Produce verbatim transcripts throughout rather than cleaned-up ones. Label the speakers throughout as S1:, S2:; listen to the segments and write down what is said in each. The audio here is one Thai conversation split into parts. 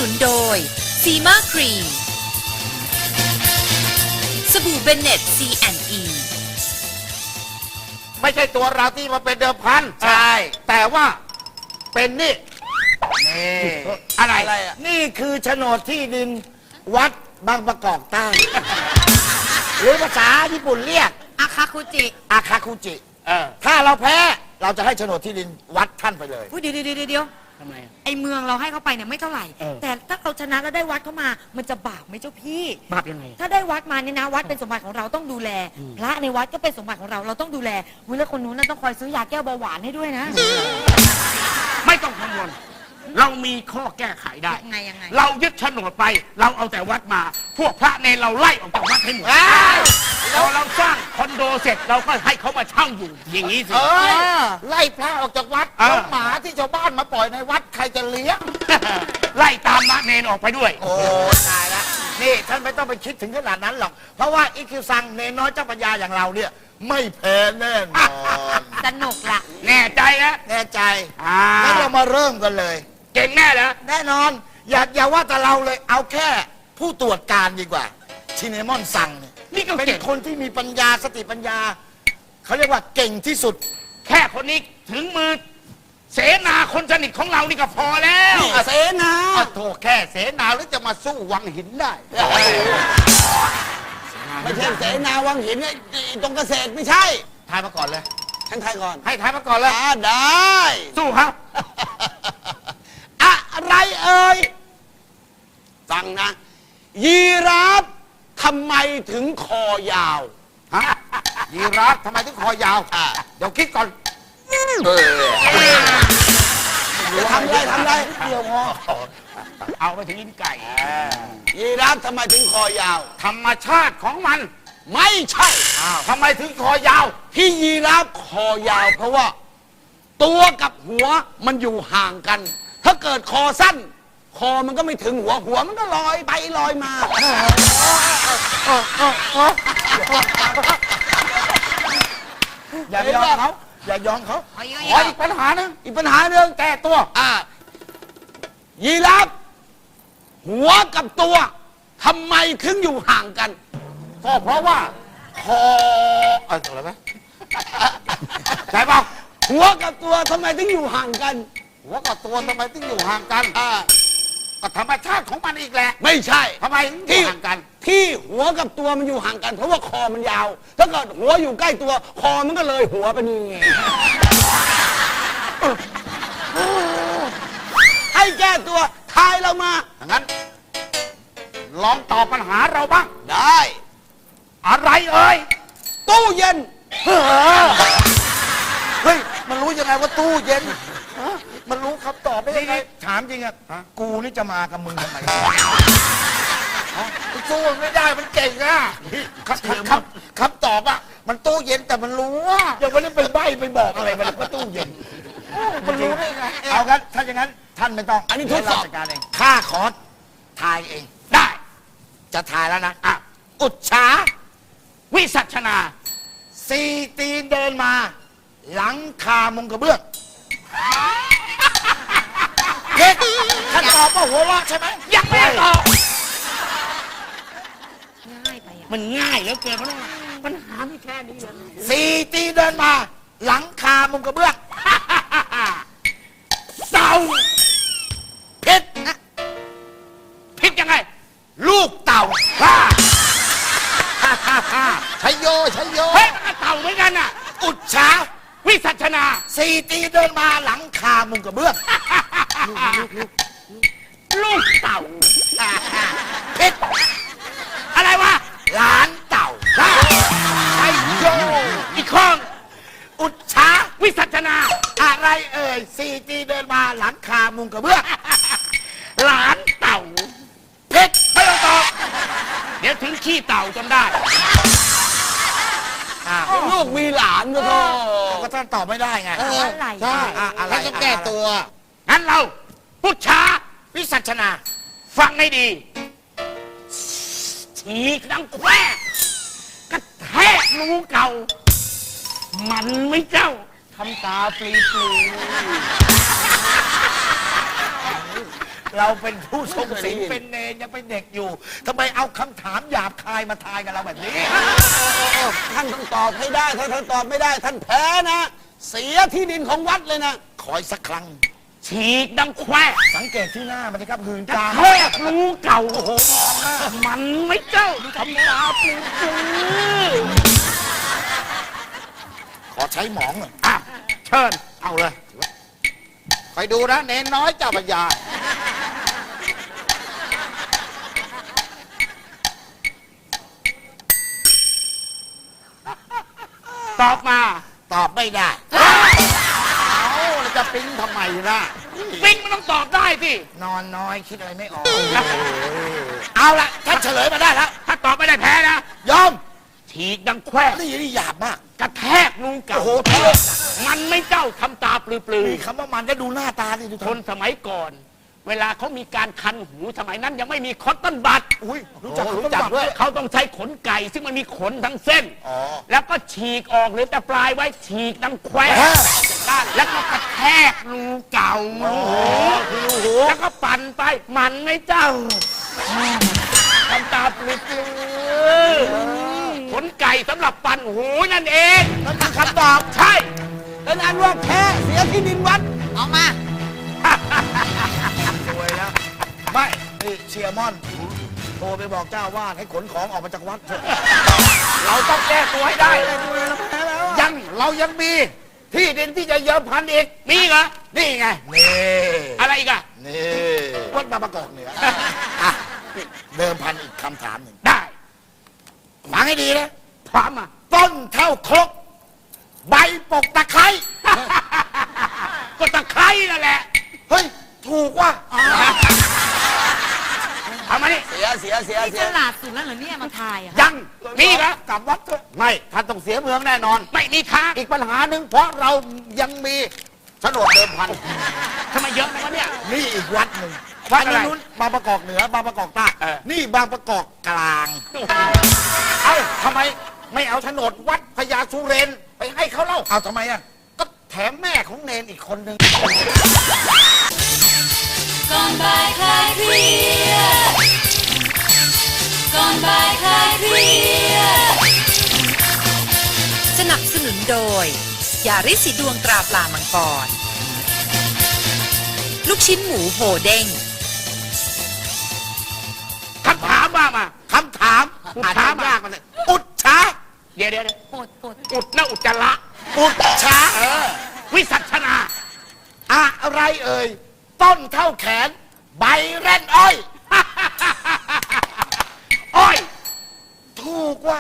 S1: นุนโดยซีมาครีมสบู่เบนเน็ต ซี แอนด์ อี
S2: ไม่ใช่ตัวเราที่มาเป็นเดิมพันใช่แต่ว่าเป็นนี่นี่อะไร
S3: อะไรอ่ะนี่คือโฉนดที่ดินวัดบางประกอบใต้ หรือภาษาญี่ปุ่นเรียก
S1: อาคาคุจิ
S3: อาคาคุจิ
S2: เออ
S3: ถ้าเราแพ้เราจะให้โฉนดที่ดินวัดท่านไปเลย
S4: อุ๊ยเดี๋ยวเดี๋ยวเดี๋ยว
S3: ทำไม
S4: ไอเมืองเราให้เขาไปเนี่ยไม่เท่าไหร่
S3: เออ
S4: แต่ถ้าเราชนะแล้วได้วัดเข้ามา มันจะบาปไหมเจ้าพี่
S3: บาปยังไง
S4: ถ้าได้วัดมาเนี่ยนะวัดเป็นสมบัติของเราต้องดูแล พระในวัดก็เป็นสมบัติของเราเราต้องดูแลวิแล้วคนนู้นน่ะต้องคอยซื้อยาแก้เบาหวานให้ด้วยนะ
S5: ไม่ต้องกังวลเรามีข้อแก้ไขได้
S4: ยังไงยังไง
S5: เรายึดโฉนดไป เราเอาแต่วัดมา พวกพระเนรเราไล่ออกจากวัดให้หมดพอเราสร้างคอนโดเสร็จเราก็ให้เขามาเช่าอยู่ อย่างนี้สิ
S2: เอ้ยไล่พระออกจากวัด
S5: เออ
S2: แล้วหมาที่ชาวบ้านมาปล่อยในวัดใครจะเลี้ยง
S5: ไล่ตามพระเนรออกไปด้วย
S3: โอ้ตายละนี่ท่านไม่ต้องไปคิดถึงขนาดนั้นหรอก เพราะว่าอีคิวซังเนน้อยเจ้าปัญญาอย่างเราเนี่ย ไม่แพ้แน่นอน
S4: สนุกละ
S5: แน่ใจนะ
S3: แน่ใจ
S5: อ่า
S3: งั้นเรามาเริ่มกันเลย
S5: เก่งแน่เหรอ
S3: แน่นอน อย่าอย่าว่าแต่เราเลยเอาแค่ผู้ตรวจการดีกว่าชินเนมอนซังเนี่ย
S5: นี่ก็
S3: เป็น
S5: เก่ง
S3: คนที่มีปัญญาสติปัญญา เขาเรียกว่าเก่งที่สุด
S5: แค่คนนี้ถึงมือ เสนาคนสนิทของเรานี่ก็พอแล้ว
S3: เสนา
S2: อ่ะโถแค่เสนาหรือจะมาสู้วังหินได้
S6: ไม่ใช่เสนาวังหินไอ้ไอ้ตรงเกษตรไม่ใช่
S3: ทายมาก่อนเลย
S6: ฉันทายก่อน
S2: ให้ทายมาก่อนเลย
S6: อ่าได้
S5: สู้ครับ
S6: อะไรเอ่ยฟังนะ ยีราฟทำไมถึงคอยาว
S2: ฮะยีราฟทำไมถึงคอยาว
S6: อ่ะ
S2: เดี๋ยวคิดก่อน
S6: จะทำอะไรทำอะไร
S3: เดียวพอ
S5: เอาไปถึงลิ้นไก่
S6: ยีราฟทำไมถึงคอยาว
S2: ธรรมชาติของมัน
S6: ไม่ใช่
S2: ทำไมถึงคอยาว
S6: ที่ยีราฟคอยาว เพราะว่า ตัวกับหัวมันอยู่ห่างกัน ถ้าเกิดคอสั้น คอมันก็ไม่ถึงหัวหัวมันก็ลอยไปลอยมา
S3: อย่ายอมเขาอย่ายอมเขา
S2: ขออีกปัญหาหนึง
S6: อีกปัญหาเรื่อง
S2: แก้ตัว
S6: อ่ายีราฟหัวกับตัวทำไมถึงอยู่ห่างกัน
S2: ก็เพราะว่าคอเอออะไรไหมใช่เปล่า
S6: หัวกับตัวทำไมถึงอยู่ห่างกัน
S2: หัวกับตัวทำไมถึงอยู่ห่างกัน
S6: อ่า
S2: ก็ธรรมชาติของมันอีกแหละ
S6: ไม่ใช่
S2: ทำไมถึงอยู่ห่างกัน
S6: ที่หัวกับตัวมันอยู่ห่างกัน เพราะว่าคอมันยาว ถ้าเกิดหัวอยู่ใกล้ตัว คอมันก็เลยหัวไปนี่ไงให้แก้ตัวทายเรามา
S2: งั้น ลองตอบปัญหาเราบ้าง
S6: ได้
S2: อะไรเอ่ย
S6: ตู้เย็น
S3: เฮ้ย มันรู้ยังไงว่าตู้เย็นฮะมันรู้คำตอบได้ยังไงถามจริงอะกูนี่จะมากับมึงทำไม
S2: สู้มันไม่ได้มันเก่งอะคำคำคำตอบอะมันตู้เย็นแต่มันรู้ว่า
S3: ยังไม่ได้ไปใบ้ไปบอกอะไรมันว่าตู้เย็น
S2: มันรู้ได้ไง
S3: เอางั้นถ้าอย่างนั้นท่านไม่ต้อง
S6: อันนี้ทดสอบ
S3: เยวเราจัดการเองข้าขอทายเอง
S5: ได้
S3: จะทายแล้วนะ
S5: อ่ะ
S3: อุจฉา
S5: วิสัชนา
S3: สี่ตีนเดินมา หลังคามุงกระเบื้องเด็กท่านตอบว่าหัวเราะใช่ไหม
S5: ยังไม่ได้ตอบ
S4: ง่ายไปอ่ะ
S5: มันง่ายเหลือเกินเพราะว่าปัญหาไม่แค่นี้เลย
S3: สี่ตีนเดินมา หลังคามุงกระเบื้อง
S5: เต่า
S3: ผิด
S5: ผิดยังไง
S3: ลูกเต่า
S5: ฮ่า
S2: ชัยโยชัยโย
S5: เฮ้ยมันก็เต่าเหมือนกันน่ะ
S3: อุจฉา
S5: วิสัชนา
S3: สี่ตีนเดินมาหลังคามุงกระเบื้อง
S5: ลูกเต่า
S3: ผิด
S5: อะไรวะ
S3: หลานเต่า
S5: ชัยโยอีกข้อง
S3: อุจฉา
S5: วิสัชนา
S3: อะไรเอ่ยสี่ตีนเดินมาหลังคามุงกระเบื้อง
S5: หลานเต่า
S3: ผิด
S5: ไม่ต้องตอบเดี๋ยวถึงขี้เต่าจนได้
S3: อ้าว
S6: ลูกมีหลานก็โท
S3: ก็ท่านตอบไม่ได้ไง
S4: อะไร
S2: ใช่
S3: อ่ะอะไร
S2: ท่านต้องแก้ตัว
S5: งั้นเราพุชชา
S3: วิสัชนา
S5: ฟังให้ดีฉีกดังแควกระแทกรูเก่า มันไม่เจ้าทำตาปลีปลี
S3: เราเป็นผู้ทรงศีลเป็นเนรยังเป็นเด็กอยู่ทำไมเอาคำถามหยาบคายมาทายกับเราแบบนี้
S6: ท่านต้องตอบให้ได้ ถ้าท่านตอบไม่ได้ ท่านแพ้นะ เสียที่ดินของวัดเลยนะ
S3: ขออีกสักครั้ง
S5: ฉีกดังแคว
S3: สังเกตที่หน้ามันนะครับหืน
S5: จะ
S3: ตา
S5: แทกรูเก่าโอ้โหมันไม่เจ้าทำตาปลือ
S3: ขอใช้หมองหน่อย
S5: อ่ะเชิญ
S2: เอาเลยคอยดูนะเนนน้อยเจ้าปัญญา
S5: ตอบมา
S3: ตอบไม่ได้
S2: เอาแล้วจะปิ้งทำไมล่ะ
S5: ปิ๊งมันต้องตอบได้สิ
S3: นอนน้อยคิดอะไรไม่ออก เอาละท่านเฉลยมาได้แล้ว
S5: ถ้าตอบไม่ได้แพ้นะ
S3: ยอม
S5: ฉีกดังแคว
S3: นี่นี่หยาบมาก
S5: กระแทกรูเก่า
S3: โอ้โหเท่
S5: มันไม่เจ้าทำตาปลือ
S3: มีคำว่ามันได้ดูหน้าตาดิดู
S5: ๆคนสมัยก่อน เวลาเขามีการคันหูสมัยนั้นยังไม่มีคอตตอนบัด
S3: อุ้ยรู้จัก
S2: รู้จักด้วย
S5: เขาต้องใช้ขนไก่ซึ่งมันมีขนทั้งเส้น
S3: อ๋อ
S5: แล้วก็ฉีกออกหรือแต่ปลายไว้ฉีกดังแคว
S3: แฮะ
S5: ด้านแล้วก็กระแทกรูเก่าแล้วก็ปั่นไป มันไม่เจ้าทำตาปลือๆขนไก่สำหรับปั่นหูนั่นเอง
S3: นั่นคือคำตอบ
S5: ใช่
S6: เป็นอันว่าแพ้เสียที่ดินวัด
S1: เอามา
S3: สวยแล้ว ไม่นี่เชียร์มอนโทรไปบอกเจ้าวาดให้ขนของออกมาจากวัดเถอะ
S5: เราต้องแก้ตัวให้ได้
S2: ยังเรายังมีที่ดินที่จะเยิมพันอีก
S5: มีเหรอ
S2: นี่ไง
S3: นี่
S5: อะไรอีกอะ
S3: นี่วัดบางประกอบเหนืออ่ะเดิมพันอีกคำถามหนึ่ง
S5: ได้
S3: ฟังให้ดีนะ
S5: พร้อมอ่ะ
S3: ต้นเท่าครกใบปกตะไคร้
S5: ก็ตะไคร้นั่นแหละ
S3: เฮ้ย ถูกว่ะ
S5: เอามานี่
S6: เสียเสียเสีย
S4: นี่
S6: เสี
S4: ฉ
S6: ย
S4: ลาดสุดแล้วเหรอเนี่ยมาทายอ่ะ
S5: ยังมีเหรอก
S3: ลับวัดเถอะ
S2: ไม่ท่านต้องเสียเมืองแน่นอน
S5: ไม่มีทาง
S2: อีกปัญหาหนึ่งเพราะเรายังมีโฉนดเดิมพัน
S5: ทำไมเยอะนะวะเนี่ย
S3: นี่อีกวัดหนึ่ง
S5: วัดอะไร
S3: นนู้นบางประกอบเหนือบางประกอบใต้
S5: เออ
S3: นี่บางประกอบกลาง
S2: เอ้าทำไมไม่เอาโฉนดวัดพญาสุเรนไปให้เขาเล่า
S3: เอาทำไมอ่ะ
S2: ก็แถมแม่ของเนนอีกคนหนึ่ง
S1: ก่อนบ่ายคลายเครียดก่อนบ่ายคลายเครียดสนับสนุนโดย ยาริสสีดวงตราปลามังกร ลูกชิ้นหมูโหเด้ง
S5: คำถามว่ามา
S3: คำถาม
S5: อุด
S3: อาจ
S5: ช้า
S3: จะ
S5: มาย
S3: ากมันเลยอุดช้า
S5: เดี๋ยวเดี๋ยวเดี๋ยว
S4: ปวดปวด
S5: อุดแล้วอุจจาระ
S3: อุดช้า
S5: เออ วิสัชนา
S3: อะไรเอ่ย ต้นเท่าแขน ใบแร่นอ้อย
S5: อ้อย
S3: ถูกว่า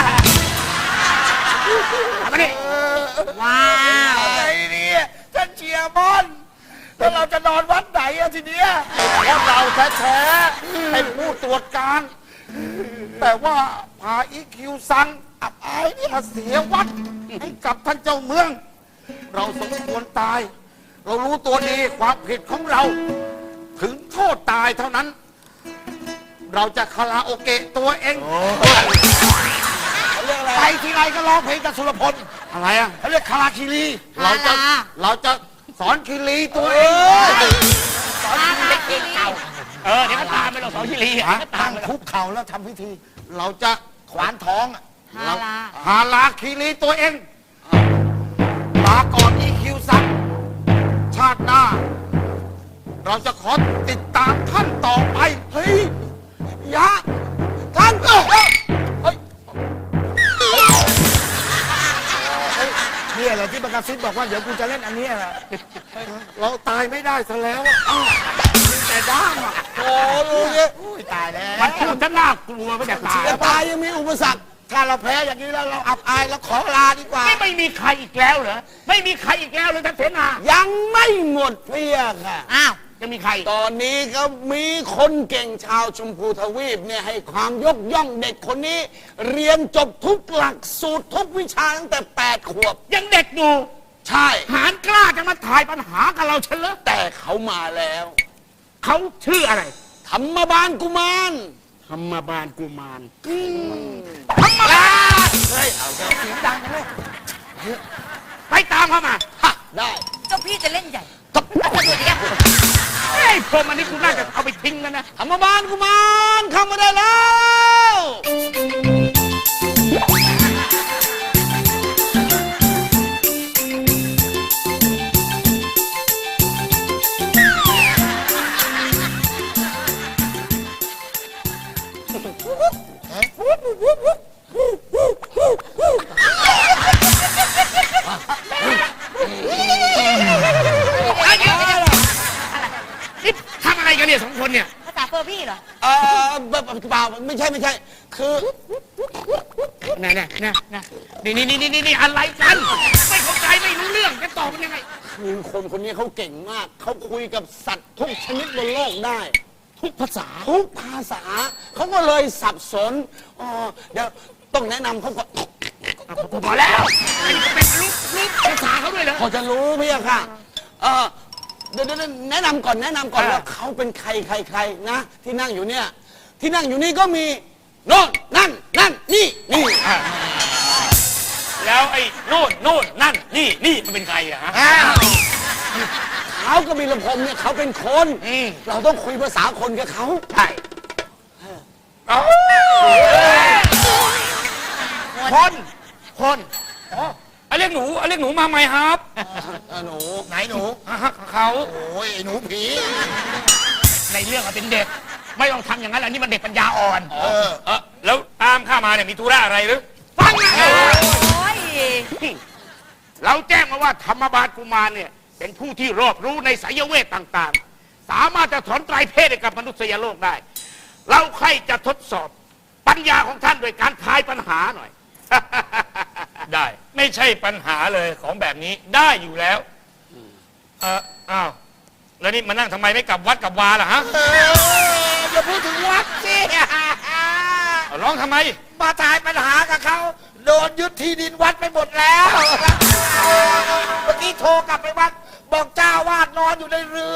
S5: เอามานี่
S4: ว้าว
S3: อะไรเนี่ยท่านเชียร์บอลแล้วเราจะนอนวัดไหนอะทีเนี้ย
S2: เพราะเราแท้ๆให้ผู้ตรวจการ แต่ว่าพาอีคิวซังอับอายนี่มาเสียวัดให้กับท่านเจ้าเมือง เราสมควรตาย เรารู้ตัวดีความผิดของเรา ถึงโทษตายเท่านั้น เราจะคาราโอเกะตัวเอง
S3: ไปทีไรก็ร้องเพลงกับสุรพล
S2: อะไรอ่ะ
S3: เขาเรียกคาราคิรี
S2: เราจะ
S4: คารา
S2: เราจะสอนคิรีตัวเอง
S3: สอนเด็กเก่า
S5: เออเดี๋ยวก็ตามไปหรอกสองชิลีอ่ะ
S2: ฮะ
S5: เดี๋ยวก็ตา
S3: ตั้
S5: ม
S3: ง
S5: ไปหรอก
S3: คุกเข่าแล้วทำพิธี
S2: เราจะ
S3: ขวานท้องอะ
S4: ฮาลา
S2: หาลาคิรีตัวเองลาก่อนอีคิวซังชาติหน้า เราจะขอติดตามท่านต่อไป เฮ้ยยะท่านเอ้ยเฮ้ย
S3: เนี่ยแหละที่ประกาศซิดบอกว่าเดี๋ยวกูจะเล่นอันเนี้ยแหละ
S2: เราตายไม่ได้ซะแล้วอะอ้าวมีแต่ด้ามอ่ะ
S6: โอ้ลูกเนี่ย
S3: อุ้ยตายแล้ว
S5: มันพูดจะน่ากลัวไม่จะตาย
S6: จะตายยังมีอุปสรรค
S3: ถ้าเราแพ้อย่างนี้แล้วเราอับอายเราขอลาดีกว่า
S5: ไม่ไม่มีใครอีกแล้วเหรอ ไม่มีใครอีกแล้วเลยท่านเสนา
S6: ยังไม่หมดเพียค่ะ
S4: อ้าว
S5: ยังมีใคร
S6: ตอนนี้ก็มีคนเก่งชาวชมพูทวีปเนี่ยให้ความยกย่องเด็กคนนี้ เรียนจบทุกหลักสูตรทุกวิชาตั้งแต่แปดขวบ
S5: ยังเด็กอยู่
S6: ใช่
S5: หารกล้าจะมาถ่ายปัญหากับเราเฉลย
S6: แต่เขามาแล้ว
S5: เขาชื่ออะไร
S6: ธรรมบาลกุมาร
S5: ธรรมบาลกุมาร
S6: ธรรมบาล
S3: เฮ้ยเอาเสียงดังกันเลย
S5: ไปตามเขามา
S6: ฮะได้
S4: เจ้าพี่จะเล่นใหญ่
S6: ตบ
S4: เอาตัวเดียว
S6: เ
S5: ไอ้พรมอันนี้กูน่าจะเอาไปทิ้งแล้วนะ
S6: ธรรมบาลกุมารเข้ามาได้แล้ว
S5: นี่ทำอะไรกันเนี่ยสองคนเนี่ย
S4: ภาษาเฟอร์พี่เหรอ
S6: เออเปล่าเปล่าไม่ใช่ไม่ใช่ คือ
S5: น่ะน่ะน่ะน่ะนี่นี่นี่นี่นี่อะไรกัน ไม่เข้าใจไม่รู้เรื่องจะตอบมันยังไง
S6: คือคนคนนี้เขาเก่งมาก เขาคุยกับสัตว์ทุกชนิดบนโลกได้
S5: ทุกภาษา
S6: ทุกภาษา เขาก็เลยสับสนอ๋อเดี๋ยวต้องแนะนำเขาก่อน
S5: พอแล้วไอ้นี่ก็เป็นลูกลูกภาษาเขาด้วยเหรอ
S6: พอจะรู้พี่อะค่ะ เออเดี๋ยวเดี๋ยวแนะนำก่อนแนะนำก่อน
S5: อ่า
S6: ว่าเขาเป็นใครใครใครนะ ที่นั่งอยู่เนี่ย ที่นั่งอยู่นี่ก็มีโน่นนั่นนั่นนี่นี่
S5: แล้วไอ้โน่นโน่นนั่นนี่นี่มันเป็นใครอะฮะ
S6: เขาก็มีระพมเนี่ยเขาเป็นคน
S5: อืม
S6: เราต้องคุยภาษาคนกับเขา
S5: ใช่เอ้าคนคนอ๋อไอ้เรียกหนูไอ้เรียกหนูมาไหมครับ
S6: เออหนู
S3: ไหนหนู
S5: อ่ะฮะเขา
S3: โอ้ยไอ้หนูผี
S5: ในเรื่องอะเป็นเด็ก ไม่ต้องทำอย่างนั้นอันนี้มันเด็กปัญญาอ่อน
S3: เออ
S5: เออแล้วตามข้ามาเนี่ยมีธุระอะไรหรือฟังนะ
S4: โอ้ย
S5: เราแจ้งมาว่าธรรมบาลกุมารเนี่ยเป็นผู้ที่รอบรู้ในสายเวทต่างๆ สามารถจะถอนไตรเพศให้กับมนุษยโลกได้ เราใครจะทดสอบปัญญาของท่านโดยการทายปัญหาหน่อย ได้ ไม่ใช่ปัญหาเลยของแบบนี้ได้อยู่แล้วเอออ้าวแล้วนี่มานั่งทำไมไม่กลับวัดกลับวาล่ะฮะ
S3: เอออย่าพูดถึงวัดสิ
S5: เอาร้องทำไม
S3: มาทายปัญหากับเขาโดนยึดที่ดินวัดไปหมดแล้วเมื่อกี้โทรกลับไปวัด บอกเจ้าวาดนอนอยู่ในเรือ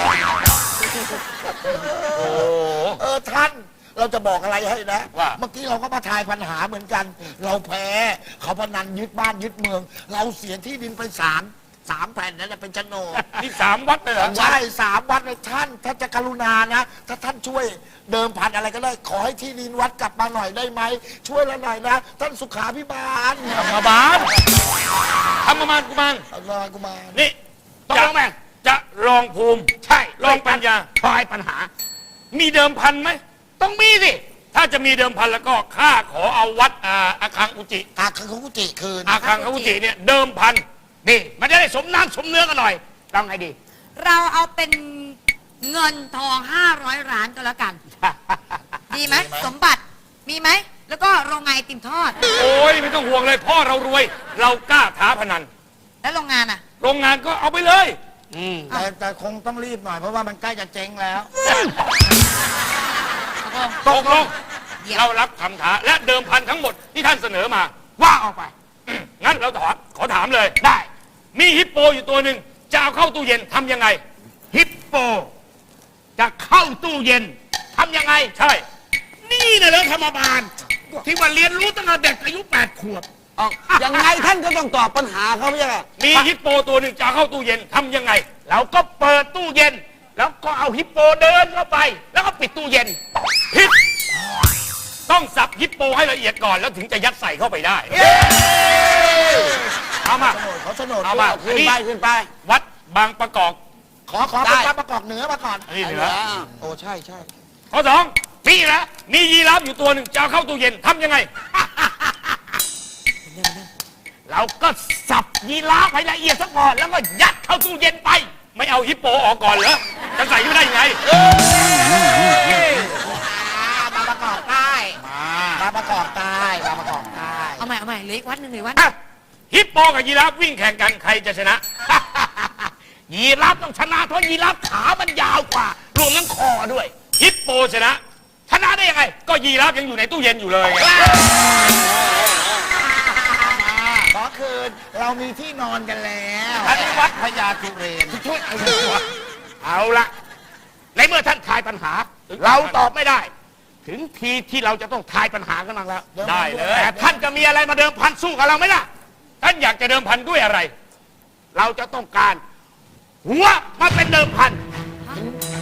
S5: โอ้
S3: เออท่านเราจะบอกอะไรให้นะ
S5: ว่า
S3: เมื่อกี้เราก็มาทายปัญหาเหมือนกัน เราแพ้เขาพนันยึดบ้านยึดเมือง เราเสียที่ดินไปสามสามแผ่นนั่นแหละเป็นโฉนด
S5: นี่สามวัดเลยเหรอ
S3: ใช่สามวัดเลยท่านถ้าจะกรุณานะ ถ้าท่านช่วยเดิมพันอะไรก็ได้ ขอให้ที่ดินวัดกลับมาหน่อยได้ไหม ช่วยเราหน่อยนะ ท่านสุขาพิบาล
S5: ธรรมบาลธรรมบาลกุมาร
S3: เอาหน่อยกูมา
S5: นี่ต้องลองไหมจะลองภูมิ ใช่ลองปัญญาทายปัญหา มีเดิมพันไหม ต้องมีสิ ถ้าจะมีเดิมพันแล้วก็ข้าขอเอาวัดอาอาคังอุจิ
S3: อาคังคุจิคืน
S5: อาคังอุจิเนี่ยเดิมพันนี่มันจะได้สมน้ำสมเนื้อกันหน่อยต้องไงดี
S4: เราเอาเป็นเงินทองห้าร้อยล้านก็แล้วกัน ดีไหมสมบัติมีไหม แล้วก็โรงงานไอติมทอด
S5: โอ้ยไม่ต้องห่วงเลยพ่อเรารวย เรากล้าท้าพนัน
S4: แล้วโรงงานอ่ะ
S5: โรงงานก็เอาไปเลย
S3: แต่แต่คงต้องรีบหน่อยเพราะว่ามันใกล้จะเจ๊งแล้ว
S5: ตกลง
S4: เดี๋ยว
S5: เรารับคำท้าและเดิมพันทั้งหมดที่ท่านเสนอมา ว่าออกไป งั้นเราถามขอถามเลยได้ มีฮิปโปอยู่ตัวหนึ่งจะเอาเข้าตู้เย็นทำยังไง ฮิปโป จะเข้าตู้เย็นทำยังไง ใช่ นี่นะเรื่องธรรมบาล ที่ว่าเรียนรู้ตั้งแต่เด็กอายุแปดขวบ
S6: เอายังไงท่านก็ต้องตอบปัญหาเขาไม่ใช่เหรอ
S5: มีฮิปโปตัวหนึ่งจะเอาเข้าตู้เย็นทำยังไง เราก็เปิดตู้เย็น แล้วก็เอาฮิปโปเดินเข้าไป แล้วก็ปิดตู้เย็นผิดต้องสับฮิปโปให้ละเอียดก่อนแล้วถึงจะยัดใส่เข้าไปได้เอามา
S3: เขาโฉนด
S5: เอามา
S6: ขึ้นไปขึ้นไป
S5: วัดบางประกอบ
S3: ขอขอ
S6: ได้
S3: เป็นประกอบเหนือมาก่อน
S5: นี่เหนือ
S3: โอ้ใช่ใช่
S5: ข้อสองมีแล้วมียีราฟอยู่ตัวหนึ่งจะเอาเข้าตู้เย็นทำยังไง เราก็สับยีราฟให้ละเอียดซะก่อนแล้วก็ยัดเข้าตู้เย็นไป ไม่เอาฮิปโปออกก่อนเหรอจะใส่ไม่ได้ยังไง
S3: มาประกอบใต้มาประกอบใต้มาประกอบใต้
S4: เอาใหม่เอาใหม่เหลืออีกวัดหนึ่งเหลืออกวัด
S5: อ่ะฮิปโปกับยีราฟวิ่งแข่งกันใครจะชนะ ยีราฟต้องชนะเพราะยีราฟขามันยาวกว่ารวมทั้งคอด้วย ฮิปโปชนะ ชนะได้ยังไง ก็ยีราฟยังอยู่ในตู้เย็นอยู่เลยไง
S3: ขอคืนเรามีที่นอนกันแล้ว
S5: อันนี้วัด
S3: พญาจุเรน
S5: ช่วยเอาละในเมื่อท่านทายปัญหา เราตอบไม่ได้ ถึงทีที่เราจะต้องทายปัญหากันบ้างแล้ว ได้เลยแต่ท่านจะมีอะไรมาเดิมพันสู้กับเราไหมล่ะ ท่านอยากจะเดิมพันด้วยอะไร เราจะต้องการ หัวมาเป็นเดิมพัน
S3: ห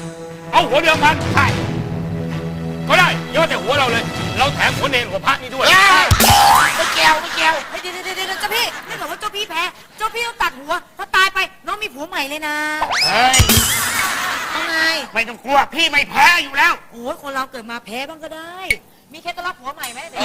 S5: เอาหัวเดิมพันใช่ก็ได้ยอดแต่หัวเราเลย เราแถมหัวเนรหัวพระนี่ด้วย
S3: ไม่เกี่ยวไม่เกี่ยว
S4: เฮ้ยเดี๋ยวเดี๋ยวเดี๋ยวเจ้าพี่ถ้าเกิดว่าเจ้าพี่แพ้ เจ้าพี่ต้องตัดหัว ถ้าตายไปน้องมีผัวใหม่เลยนะ
S5: เฮ้ย
S4: เอาไง
S5: ไม่ต้องกลัวพี่ไม่แพ้อยู่แล้ว
S4: โอ้ยคนเราเกิดมาแพ้บ้างก็ได้ มีเคล็ดลับผัวใหม่ไหมเด็ก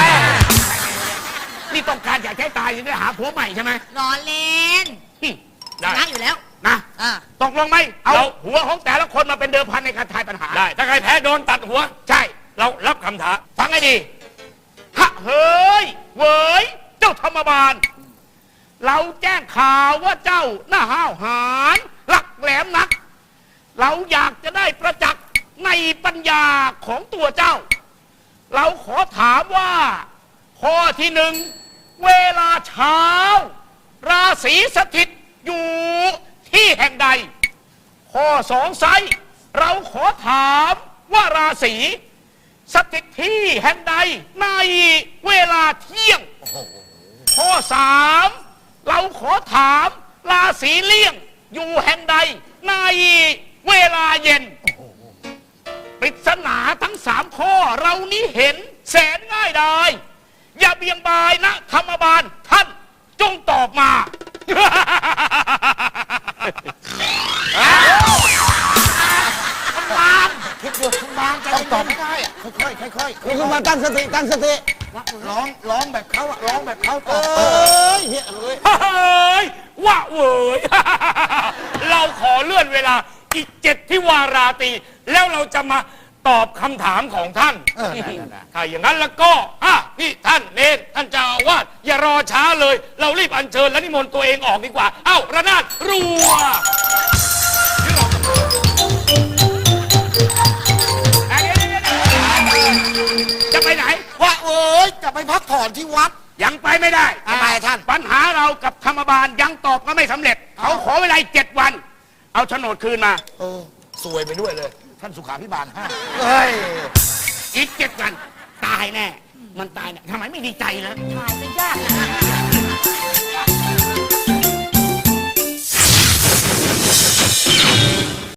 S5: นี่ต้องการอยากให้ตายจะได้หาผัวใหม่ใช่ไหม
S4: ล้อเล่น
S5: หึ
S4: ช
S5: ได้
S4: นะอยู่แล้ว
S5: นะ
S4: อ่า
S5: ตกลงไหมเอาหัวของแต่ละคนมาเป็นเดิมพันในการทายปัญหาได้ถ้าใครแพ้โดนตัดหัว ใช่ เรารับคำท้าฟังให้ดีฮะเฮ้ยเว้ยเจ้าธรรมบาล เราแจ้งข่าวว่าเจ้าหน้าห้าวหาญหลักแหลมนัก เราอยากจะได้ประจักษ์ในปัญญาของตัวเจ้า เราขอถามว่า ข้อที่หนึ่งเวลาเช้า ราศีสถิตอยู่ที่แห่งใด ข้อสองไซเราขอถามว่าราศีสถิตที่แห่งใดในเวลาเที่ยง ข้อสามเราขอถามราศีเลี่ยงอยู่แห่งใดในเวลาเย็น ปริศนาทั้งสามข้อเรานี้เห็นแสนง่ายดายอย่าเบี่ยงบายนะธรรมบาลท่านจงตอบมา
S3: คิดดูคุณบางใจต้องตอบไม่ได้อะค่อยๆค่อย
S6: นี่คุณมาตั้งสติตั้งสติ
S3: ๆร้องร้องแบบเขาอะร้องแบบเขาต
S6: เอ
S3: อบเออ้
S6: ยเฮ้ยเอ้ย
S5: เฮ้ยว่าเว้ย เราขอเลื่อนเวลาอีกเจ็ดที่วาราตรีแล้วเราจะมาตอบคำถามของท่าน
S3: เออได้ได้ได้
S5: ถ้าอย่างนั้นแล้วก็อ่ะพี่ท่านเนรท่านเจ้าอาวาสอย่ารอช้าเลย เรารีบอัญเชิญและนิมนต์ตัวเองออกดีกว่า เอ้าระนาดรัวจะไปไหน
S3: ว่าเอ้ยจะไปพักผ่อนที่วัด
S5: ยังไปไม่ได้
S3: ทำไมท่าน
S5: ปัญหาเรากับธรรมบาลยังตอบก็ไม่สำเร็จ เขาขอเวลาอีกเจ็ดวัน เอาโฉนดคืนมา
S3: เออสวยไปด้วยเลย ท่านสุขาพิบาลห้า
S5: เฮ้ย อีกเจ็ดวัน ตายแน่ มันตายแน่ทำไมไม่ดีใจนะ
S4: ถ่ายจะยากนะ